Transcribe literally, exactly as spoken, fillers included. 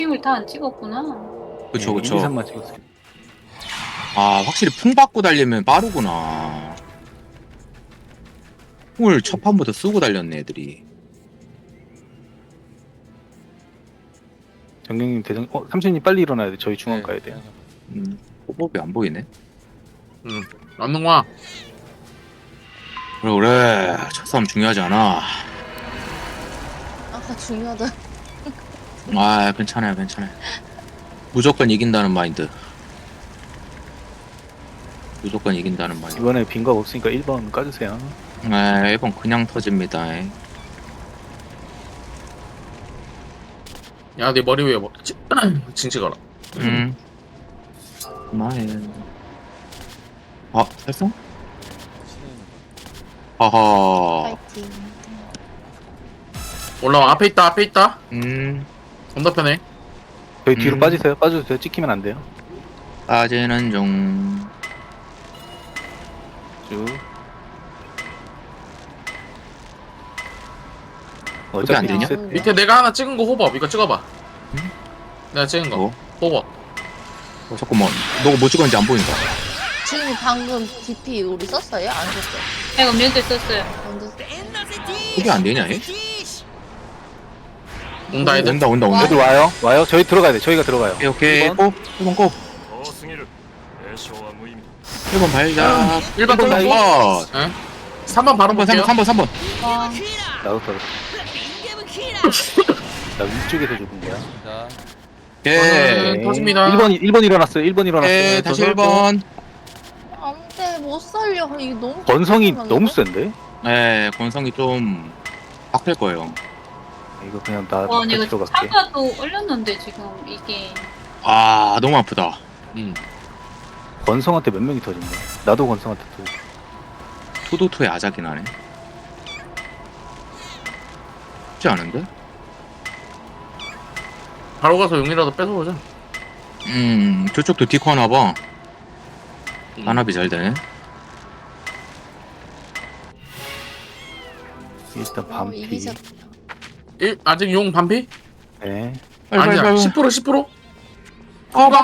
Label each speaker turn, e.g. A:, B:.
A: 힘을 다 안 찍었구나.
B: 그쵸
C: 예,
B: 그쵸.
C: 일, 이, 삼만 찍었어요.
B: 아 확실히 풍 받고 달리면 빠르구나. 풍을 첫 판부터 쓰고 달렸네 애들이.
C: 정경님 대장 어 삼촌님 빨리 일어나야 돼. 저희 중앙
D: 네.
C: 가야 돼요.
B: 음, 호법이 안 보이네.
D: 응. 맞는 거야.
B: 그래 그래 첫 싸움 중요하지 않아.
E: 아까 중요하다.
B: 아 괜찮아요 괜찮아요. 무조건 이긴다는 마인드. 무조건 이긴다는 마인드.
C: 이번에 빈각 없으니까 일 번 까주세요.
B: 네, 이번 그냥 터집니다.
D: 야, 내 머리 위에 뭐, 지- 징 찍어라.
B: 음. 마에. 아, 했어? 하하.
E: 파이팅.
D: 올라와. 앞에 있다, 앞에 있다.
B: 음.
D: 건너편에.
C: 저희 뒤로
B: 음.
C: 빠지세요. 빠져주세요. 찍히면 안 돼요.
B: 빠지는 중.
C: 쭉.
B: 그게 안 되냐?
C: 리셋돼요.
D: 밑에 내가 하나 찍은 거 호법. 이거 찍어봐.
B: 음?
D: 내가 찍은 거.
B: 뭐?
D: 호법.
B: 어, 잠깐만. 너가 뭐 찍었는지 안 보인다.
E: 지금 방금 디피 우리 썼어요? 안 썼어요?
A: 내가 면제 썼어요.
E: 언제 썼어요?
B: 그게 안 되냐, 얘?
D: 온다, 애들.
B: 온다, 온다, 온다.
C: 애들 와요. 와요. 저희 들어가야 돼. 저희가 들어가요.
B: 오케이, 오케이.
C: 일 번.
B: 고! 일 번 고!
F: 遠すぎる詠唱は無意味
B: 일 번 발자.
D: 일 번
B: 번
D: 뚫고.
B: 컷.
D: 응? 삼 번 바로
B: 3번,
D: 볼게요.
B: 3번, 3번, 3번.
A: 와,
C: 나도 떨어졌어. 나 위쪽에서 죽은 거야.
D: 네.
B: 오케이.
D: 터집니다.
C: 일 번 일 번 일어났어요. 일 번 일어났어요.
B: 오케이, 다시
C: 저
B: 일 번.
E: 안 돼, 못 살려. 이거 너무.
C: 건성이
E: 짜증나는데?
C: 너무 센데?
B: 네, 권성이 좀 바뀔 거예요.
C: 이거 그냥 나
A: 와,
C: 같이
A: 내가
C: 들어갈게.
A: 차가도 얼렸는데 지금 이게
B: 아, 너무 아프다.
D: 응.
C: 건성한테 몇 명이 터진 거야? 나도 건성한테 터졌어.
B: 투도투의 아작이 나네. 쉽지 않은데?
D: 바로 가서 용이라도 뺏어보자.
B: 음, 저쪽도 디코 하나 봐.
D: 음.
B: 단합이 잘 되네.
C: 일단
E: 어,
C: 반피.
E: 이기셨.
D: 일, 아직 용 반피?
C: 네.
B: 빨리, 빨리,
D: 아니야.
B: 빨리.
D: 십 퍼센트 십 퍼센트?
B: 어,